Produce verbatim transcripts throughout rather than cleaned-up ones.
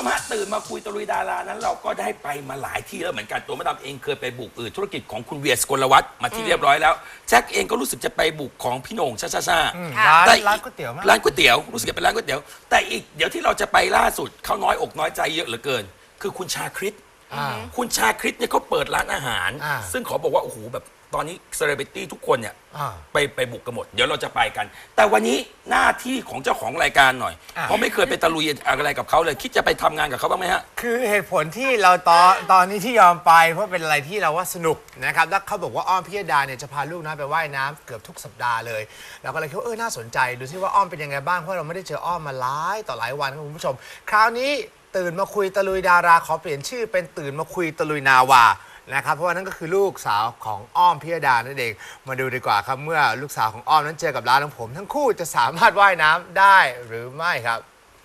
มฮะตื่นมาคุยตะลุยดารานั้นเราก็ได้ไปมาหลายที่แล้วเหมือนกันตัวมาดามเองเคยไปบุกธุรกิจของคุณเวียสกลวัฒน์มาที่เรียบร้อยแล้วแจ็คเองก็รู้สึกจะไปบุกของพี่โหน่งชาชาชาร้านแต่ร้านก๋วยเตี๋ยวมั้ยร้านก๋วยเตี๋ยวรู้สึกจะเป็นร้านก๋วยเตี๋ยวแต่อีกเดี๋ยวที่เราจะไปล่าสุดเขาน้อยอกน้อยใจเยอะเหลือเกิน คือคุณชาคริตคุณชาคริตเนี่ยเขาเปิดร้านอาหาร ซึ่งขอบอกว่าโอ้โหแบบตอนนี้เซเลบริตี้ทุกคนเนี่ยไปไปบุกกันหมดเดี๋ยวเราจะไปกัน แต่วันนี้หน้าที่ของเจ้าของรายการหน่อยเพราะไม่เคยไปตะลุยอะไรกับเขาเลยคิดจะไปทำงานกับเขาบ้างไหมฮะคือเหตุผลที่เราตอนตอนนี้ที่ยอมไปเพราะเป็นอะไรที่เราว่าสนุกนะครับแล้วเขาบอกว่าอ้อมพิยดาเนี่ยจะพาลูกนะไปว่ายน้ำเกือบทุกสัปดาห์เลยเราก็เลยคิดว่าเออน่าสนใจดูซิว่าอ้อมเป็นยังไงบ้างเพราะเราไม่ได้เจออ้อมมาหลายต่อหลายวันครับคุณผู้ชมคราวนี้ตื่นมาคุยตะลุยดาราขอเปลี่ยนชื่อเป็นตื่นมาคุยตะลุยนาวานะครับเพราะว่านั่นก็คือลูกสาวของอ้อมพิยดานั่นเองมาดูดีกว่าครับเมื่อลูกสาวของอ้อมนั้นเจอกับร้านของผมทั้งคู่จะสามารถว่ายน้ำได้หรือไม่ครับ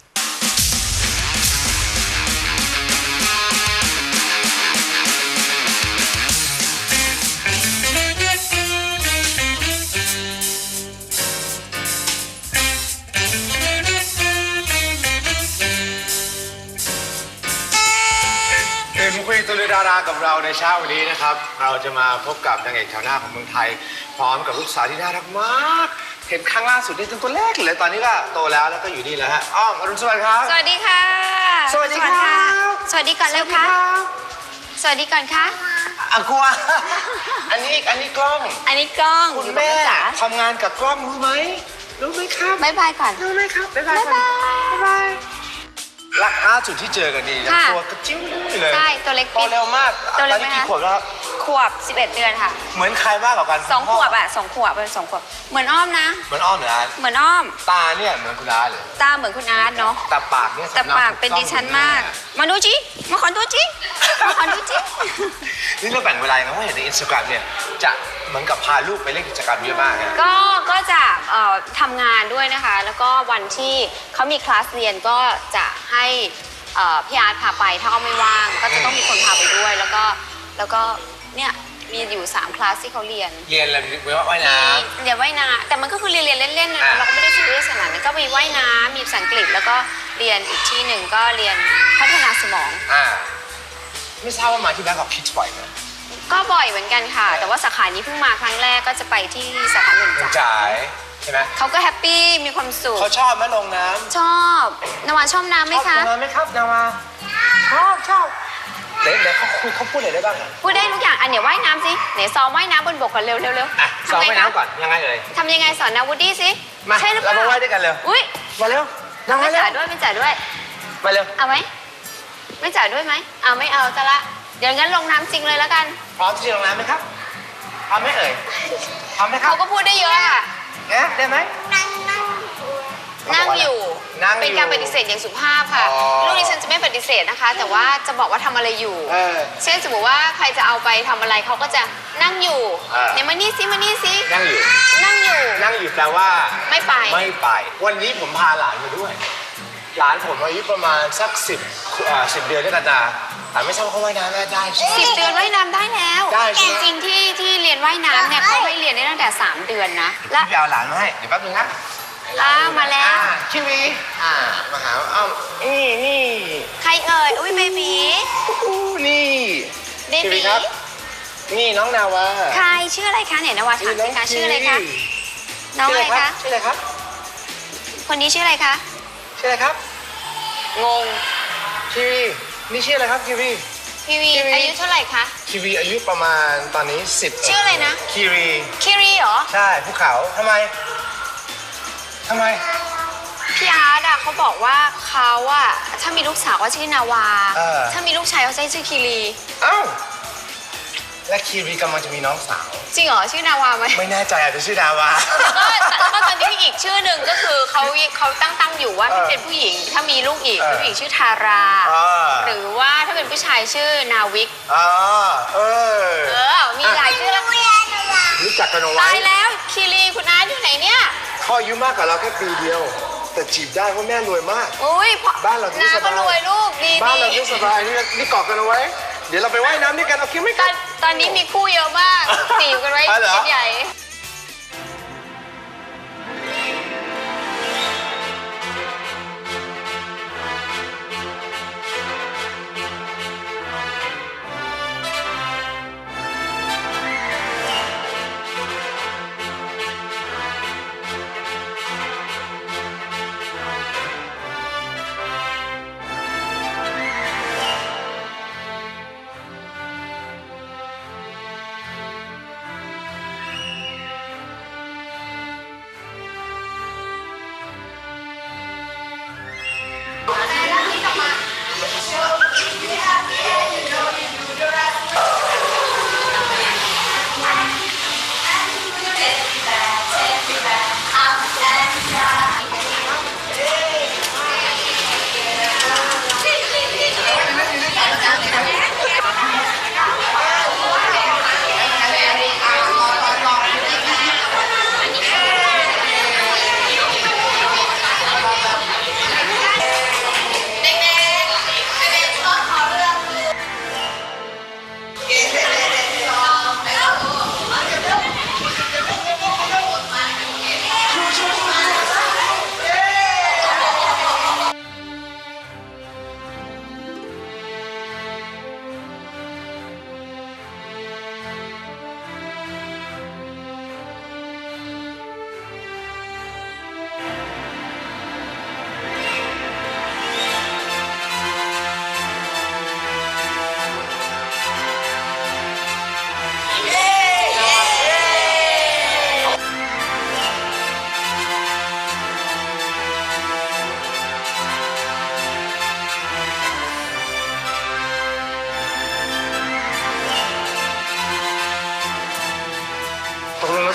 ตื่นคุยตะลุยดารากับเราในเช้าวันนี้นะครับเราจะมาพบกับนางเอกแถวหน้าของเมืองไทยพร้อมกับลูกสาวที่น่ารักมากเห็นครั้งล่าสุดนี่ตัวเล็กเลยตอนนี้ก็โตแล้วแล้วก็อยู่นี่แล้วฮะอ้อมอรุณสวัสดิ์ครับสวัสดีค่ะสวัสดีครับสวัสดีก่อนเร็วค่ะสวัสดีก่อนค่ะอ่ะกลัวอันนี้อันนี้กล้องอันนี้กล้องคุณแม่ทำงานกับกล้องรู้ไหมรู้ไหมครับบ๊ายบายก่อนรู้ไหมครับบ๊ายบายบ๊ายบายบ๊ายบายรักล่าสุดที่เจอกันนี่ตัวกระจิ้วเลยใช่ตัวเล็กโตเร็วมากตอนนี้กี่ขวบแล้วขวบสิบเอ็ดเดือนค่ะเหมือนใครมากกว่ากันสองขวบอ่ะสองขวบเป็นสองขวบเหมือนอ้อมนะเหมือนอ้อมเหมือนอาร์ตเหมือนอ้อมตาเนี่ยเหมือนคุณอาร์ตเลยตาเหมือนคุณอาร์ตเนาะแต่ปากเนี่ยแต่ปากเป็นดิฉันมากมาดูจิมาขอดูจิมาขอดูจินี่เราแบ่งเวลานะว่าเห็นในอินสตาแกรมเนี่ยจะเหมือนกับพาลูกไปเล่นกิจกรรมเยอะมากนะก็ก็จะทำงานด้วยนะคะแล้วก็วันที่เขามีคลาสเรียนก็จะให้พี่อาร์ตพาไปถ้าเขาไม่ว่างก็จะต้องมีคนพาไปด้วยแล้วก็แล้วก็เนี่ยมีอยู่สามคลาสที่เขาเรียนเรียนอะไรเรียนว่ายน้ำเรียนว่ายน้ำแต่มันก็คือเรียนเรียนเล่นๆนะเราก็ไม่ได้ซีเรียสขนาดนั้นก็มีว่ายน้ำมีภาษาอังกฤษแล้วก็เรียนอีกที่หนึ่งก็เรียนพัฒนาสมองอ่าไม่ทราบว่ามาที่แบงก์ของคิดบ่อยไหมก็บ่อยเหมือนกันค่ะแต่ว่าสาขานี้เพิ่งมาครั้งแรกก็จะไปที่สาขาหนึ่งจ่ายใช่ไหมเขาก็แฮปปี้มีความสุขเขาชอบไหมลงน้ำชอบนาวาชอบน้ำไหมคะชอบน้ำไหมครับนาวาชอบชอบเดี๋ยวเดี๋ยวเขาคุยเขาพูดอะไรได้บ้างพูดได้ทุกอย่างอันเดี๋ยวว่ายน้ำสิไหนซ้อมว่ายน้ำบนบกก่อนเร็วเร็วเร็วซ้อมว่ายน้ำก่อนยังไงเอ่ยทำยังไงสอนนาวูดดี้สิใช่หรือเปล่าเรามาว่ายด้วยกันเร็วอุ้ยมาเร็วไม่จ่ายด้วยไม่จ่ายด้วยมาเร็วเอาไหมไม่จ่ายด้วยไหมเอาไม่เอาจะละเดี๋ยวงั้นลงน้ำจริงเลยแล้วกันพร้อมที่จะลงน้ำไหมครับพร้อมไหมเอ่ยพร้อมไหมครับเขาก็พูดได้เยอะค่ะเนี่ยได้ไหมนั่งนั่งอยู่เป็นการปฏิเสธอย่างสุภาพค่ะลูกดิฉันจะไม่ปฏิเสธนะคะแต่ว่าจะบอกว่าทำอะไรอยู่เช่นสมมติว่าใครจะเอาไปทำอะไรเขาก็จะนั่งอยู่เนี่ยมานี่ซิมานี่ซินั่งอยู่นั่งอยู่นั่งอยู่แปลว่าไม่ไปไม่ไปวันนี้ผมพาหลานมาด้วยหลานผมอายุประมาณสักสิบสิบเดือนด้วยกันนะแต่ไม่ทราบว่าเขาว่ายน้ำได้ใช่ไหมสิบเดือนว่ายน้ำได้แล้วจริงๆที่ที่เรียนว่ายน้ำเนี่ยเขาให้เรียนได้ตั้งแต่สามเดือนนะแล้วพี่เอาหลานมาให้เดี๋ยวแป๊บนึงนะอ่ามาแล้วคิวีอ่ามาหาอ้อมนี่นี่ใครเอ่ยอุ้ยเบบีนี่เบบีครับนี่น้องนาวาใครชื่ออะไรคะเนี่ยนาวาถามสิคะชื่ออะไรคะน้องอะไรคะชื่ออะไรครับคนนี้ชื่ออะไรคะชื่ออะไรครับงงคิวีนี่ชื่ออะไรครับคิวีคิวีอายุเท่าไหร่คะคิวีอายุประมาณตอนนี้สิบชื่ออะไรนะคิวีคิรีเหรอใช่ภูเขาทำไมทำไมพี่อาร์ตอะเขาบอกว่าเขาอะถ้ามีลูกสาวก็ชื่อนาวาถ้ามีลูกชายเขาจะชื่อคิรีเอ้าและคิรีกำลังจะมีน้องสาวจริงเหรอชื่อนาวาไหมไม่แน่ใจอาจจะชื่อนาวาแล้วก็ตอนนี้อีกชื่อหนึ่งก็คือเขาเขาตั้งตั้งอยู่ว่าถ้าเป็นผู้หญิงถ้ามีลูกอีกผู้หญิงชื่อทาราหรือว่าถ้าเป็นผู้ชายชื่อนาวิกอ๋อเออเออมีหลายชื่อแล้วรู้จักกันเอาไว้ตายแล้วคิรีคุณอาร์ตอยู่ไหนเนี่ยพ่ออายุมากกว่าเราแค่ปีเดียวแต่จีบได้เพราะแม่รวยมากอุ้ยบ้านเราที่สบายรวยลูกดีบ้านเราที่สบายนี่นี่เกาะกันเอาไว้เดี๋ยวเราไปว่ายน้ำด้วยกันเอาคิดไม่กันตอนนี้มีคู่เยอะมากจีบกันไว้ใหญ่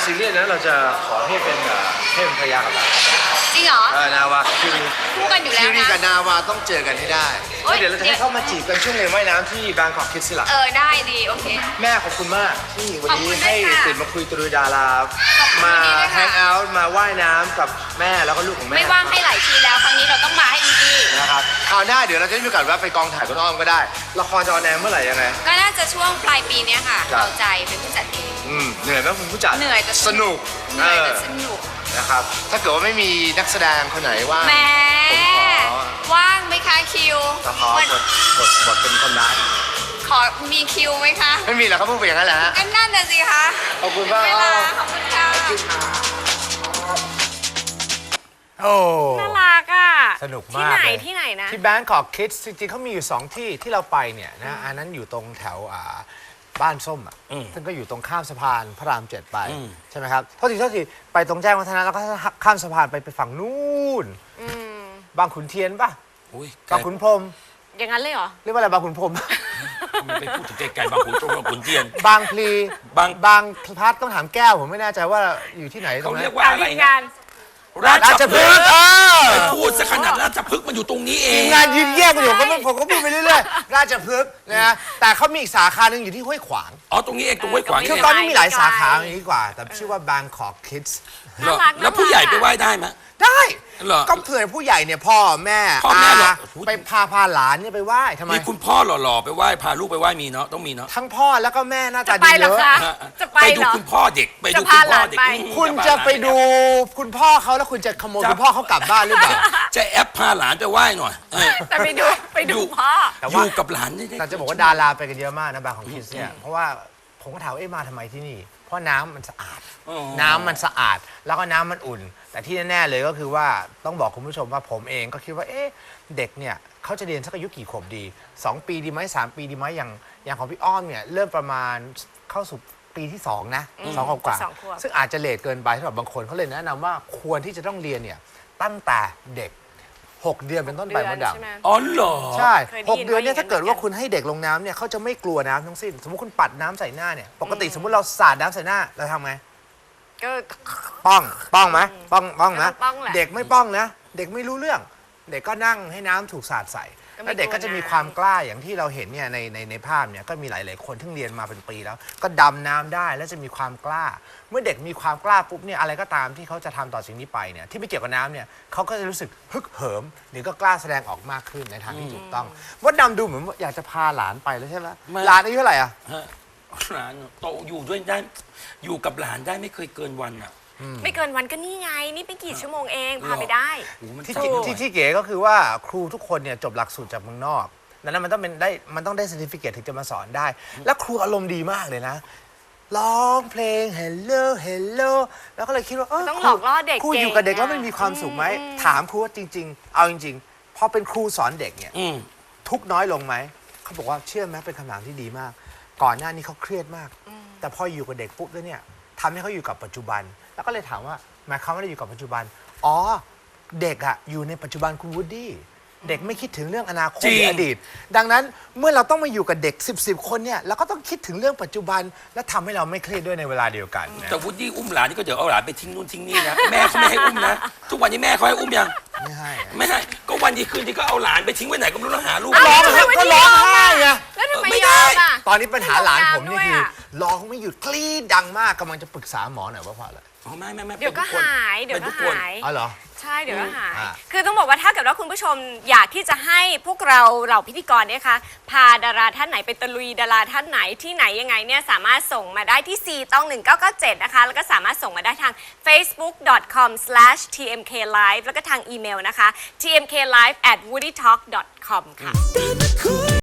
ซีเรียสนะเราจะขอให้เป็นให้เป็นภรรยากับเราจริงเหรอเออนาวาคือคู่กันอยู่แล้วคิวรีนะกับนาวาต้องเจอกันให้ได้โอ๊ยแล้วเดี๋ยวเราจะให้เข้ามาจีบกันช่วงเรียนว่ายน้ำที่บางกอกคิดสิล่ะเออได้ดีโอเคแม่ขอบคุณมากที่วันขอบคุนี้ณด้วยให้ค่ะตื่นมาคุยตรุยดาราขอบคุณมาด้วยค่ะแฮงเอาท์มาว่ายน้ำกับแม่แล้วก็ลูกของแม่ไม่ว่างให้หลายทีแล้วครั้งนี้เราต้องมาให้ดีนะครับคราวหน้าเดี๋ยวเราจะได้มีโอกาสแวะไปกองถ่ายคุณอ้อมก็ได้ละครจะออนแอร์เมื่อไหร่ยังไงๆก็น่าจะช่วงปลายปีเนี้ยค่ะครับเราใจเป็นผู้จัดเองอืมเหนื่อยไหมคุณผู้จัดเหนื่อยแต่สนุกเหนื่อยแต่เออสนุกนะครับถ้าเกิดว่าไม่มีนักแสดงคนไหนว่างแหมผมขอว่างไหมคะคิวละครวันบทบทบทเป็นคนร้ายขอมีคิวไหมคะไม่มีแล้วเขาพูดไปอย่างนั้นแหละฮะก็นั่นน่ะสิคะขอบคุณมากเวอ้ลาอมขอบคุณค่ะโอ้น่ารักอ่ะสนุกที่มากไหนเลยที่ไหนนะที่ Bangkok Kids จริงๆเขามีอยู่ 2 ที่ที่เราไปเนี่ยนะอันนั้นอยู่ตรงแถวอ่าบ้านส้มอ่ะอืมซึ่งก็อยู่ตรงข้ามสะพานพระรามเจ็ดไปอืมใช่ไหมครับโทษทีโทษทีไปตรงแจ้งวัฒนะแล้วก็ข้ามสะพานไปไปฝั่งนู้นบางขุนเทียนป่ะอุ้ยบางขุนพรหมอย่างนั้นเลยเหรอเรียกว่าอะไรบางขุนพรหมมันไปพูดถึงไกลๆบางขุนตรงบางขุนเทียนบางพลีบางบางพลัดต้องถามแก้วผมไม่แน่ใจว่าอยู่ที่ไหนตรเขางนั้เรียกนว่าตามอะไรทีมนะงานราราชชพพฤฤกกษ์ษ์เออไปพูดซะขนาดราชพฤกษ์มันอยู่ตรงนี้เอทีงมงานยืนแยกกันอยู่ก็ไม่ผมก็พูดไปเรื่อยๆราชพฤกษ์นะฮะแต่เขามีอีกสาขาหนึ่งอยู่ที่ห้วยขวางอ๋อตรงนี้เองตรงห้วยขวางเออคือนี่ตอนเองนี้มีหลายสาขาอย่างนี้กว่า แต่ชื่อว่า Bangkok Kids เหรอน่ารักแล้วผู้ใหญ่ไปไหว้ได้ไหมได้เหรอก็เผื่อผู้ใหญ่เนี่ยพ่อแม่พ่อแม่เหรอาไปพาพาหลานเนี่ยไปไหว้ทำไมมีคุณพ่อหล่อๆไปไหว้พาลูกไปไหว้มีเนาะต้องมีเนาะทั้งพ่อแล้วก็แม่หน้าตาจะไปดีเหรเยออะคะ จะไปไปเหดูรอคุณพ่อเด็กไปดูจะคุณพาพ่อหลานเด็กไปอืมคุณจะไปดูคุณพ่อเขาแล้วคุณจะขโมยคุณพ่อเขากลับบ้านหรือเปล่าจะแอปพาหลานไปไหว้หน่อยเออแต่ไปดูไปดูพ่อแต่อว่ายู่กับหลานได้แต่จะบอกว่าดาราไปกันเยอะมากนะบางของคิดเนี่ยเพราะว่าผมก็ถามว่าเอ๊ะมาทำไมที่นี่ เพราะน้ำมันสะอาดอ๋อน้ำมันสะอาดแล้วก็น้ำมันอุ่น แต่ที่แน่ๆเลยก็คือว่าต้องบอกคุณผู้ชมว่าผมเองก็คิดว่าเอ๊ะเด็กเนี่ยเขาจะเรียนสักอายุกี่ขวบดีสองปีดีไหมสามปีดีไหมอย่างอย่างของพี่อ้อมเนี่ยเริ่มประมาณเข้าสู่ปีที่สองนะสองขวบกว่าสองขวบซึ่งอาจจะเลทเกินไปสำหรับบางคนเขาเลยแนะนำว่าควรที่จะต้องเรียนเนี่ยตั้งแต่เด็กหกเดือนเป็นต้นไปเดืมอนดดำใช่ไหมอ๋อเหรอใช่เคยได้หกยินเดือนเนี่ยว่าอย่างนั้นถ้าเกิดว่าเหมือนกันคุณให้เด็กลงน้ำเนี่ยเขาจะไม่กลัวน้ำทั้งสิ้น สมมติคุณปัดน้ำใส่หน้าเนี่ยปกติสมมติเราสาดน้ำใส่หน้าเราทำไงก็ป้องป้องไหมป้องป้องนะก็ต้องป้องแหละเด็กไม่ป้องนะ เด็กไม่รู้เรื่อง เด็กก็นั่งให้น้ำถูกสาดใส่ก็ไม่แล้วเด็กก็จะมีกลัวน้ำความกล้าอย่างที่เราเห็นเนี่ยในในในภาพเนี่ยก็มีหลาย ๆ คนที่เรียนมาเป็นปีแล้ว ก็ดำน้ำได้แล้วจะมีความกล้า เมื่อเด็กมีความกล้าปุ๊บเนี่ยอะไรก็ตามที่เขาจะทำต่อสิ่งนี้ไปเนี่ยที่ไม่เกี่ยวกับน้ำเนี่ยเขาก็จะรู้สึกฮึกเหิม หรือก็กล้าแสดงออกมากขึ้นในทางที่ถูกต้องมดดำดูเหมือนว่าอยากจะพาหลานไปแล้วใช่ไหมไม่หลานอายุเท่าไหร่อะฮะหลานโตอยู่ด้วยได้อยู่กับหลานได้ไม่เคยเกินวันอ่ะไม่เกินวันก็นี่ไง นี่เป็นกี่ชั่วโมงเองพาไปได้โอ้โหมันที่จับที่หน่อยที่ที่เก๋ก็คือว่าครูทุกคนเนี่ยจบหลักสูตรจากเมืองนอกดังนั้นมันต้องเป็นได้มันต้องได้ certificate ถึงจะมาสอนได้ แล้วครูอารมณ์ดีมากเลยนะ ร้องเพลง hello hello แล้วก็เลยคิดว่าเออต้องครูหลอกล่อเด็กครูอยู่กับเด็กเก่งแล้วมันมีความสุขไหมอืมถามครูว่าจริง ๆ เอาจริงๆพอเป็นครูสอนเด็กเนี่ยอืมทุกข์น้อยลงไหม เขาบอกว่าเชื่อไหมเป็นคำถามที่ดีมาก ก่อนหน้านี้เขาเครียดมาก แต่พออยู่กับเด็กปุ๊บแล้วเนี่ยทำให้เขาอยู่กับปัจจุบัน แล้วก็เลยถามว่าหมายความว่าได้อยู่กับปัจจุบัน อ๋อ เด็กอะอยู่ในปัจจุบันคุณวูดดี้ เด็กไม่คิดถึงเรื่องอนาคตจริงหรืออดีต ดังนั้นเมื่อเราต้องมาอยู่กับเด็กสิบสิบคนเนี่ยเราก็ต้องคิดถึงเรื่องปัจจุบัน และทำให้เราไม่เครียดด้วยในเวลาเดียวกันนะแต่วุฒิอุ้มหลานนี่ก็เดี๋ยวเอาหลานไปทิ้งนู่นทิ้งนี่นะแม่เขาไม่ให้อุ้มนะทุกวันนี้แม่เขาให้อุ้มยังไม่ให้อะไม่ให้ก็วันดีคืนดีก็เอาหลานไปทิ้งไว้ไหนก็ไม่รู้แล้วหาลูกร้องไม่ไห้ได้ก็ร้องไห้ไงแล้วทำไมไม่ยได้อมอ่ะตอนนี้ปัญหาหลานผมนี่คือด้วยอะร้องไม่หยุดกรี๊ดดังมากกำลังจะปรึกษาหมอหน่อยว่าเพราะอะไรอ๋อไม่ไม่ไม่เดี๋ยวก็ป็นทุคนหายเดี๋ยวป็นก็ทุคนหายอ๋อเหรอใช่เดี๋ยวก็หายอ่าคือต้องบอกว่าถ้าเกิดว่าคุณผู้ชมอยากที่จะให้พวกเราเหล่าพิธีกรเนี่ยคะพาดาราท่านไหนไปตะลุยดาราท่านไหนที่ไหนยังไงเนี่ยสามารถส่งมาได้ที่ สี่ ตอง หนึ่ง เก้า เก้า เจ็ด นะคะ แล้วก็สามารถส่งมาได้ทาง เฟซบุ๊ก ดอท คอม สแลช ที เอ็ม เค ไลฟ์ แล้วก็ทางอีเมลนะคะ ที เอ็ม เค ไลฟ์ แอท วูดี้ทอล์ก ดอท คอม ค่ะ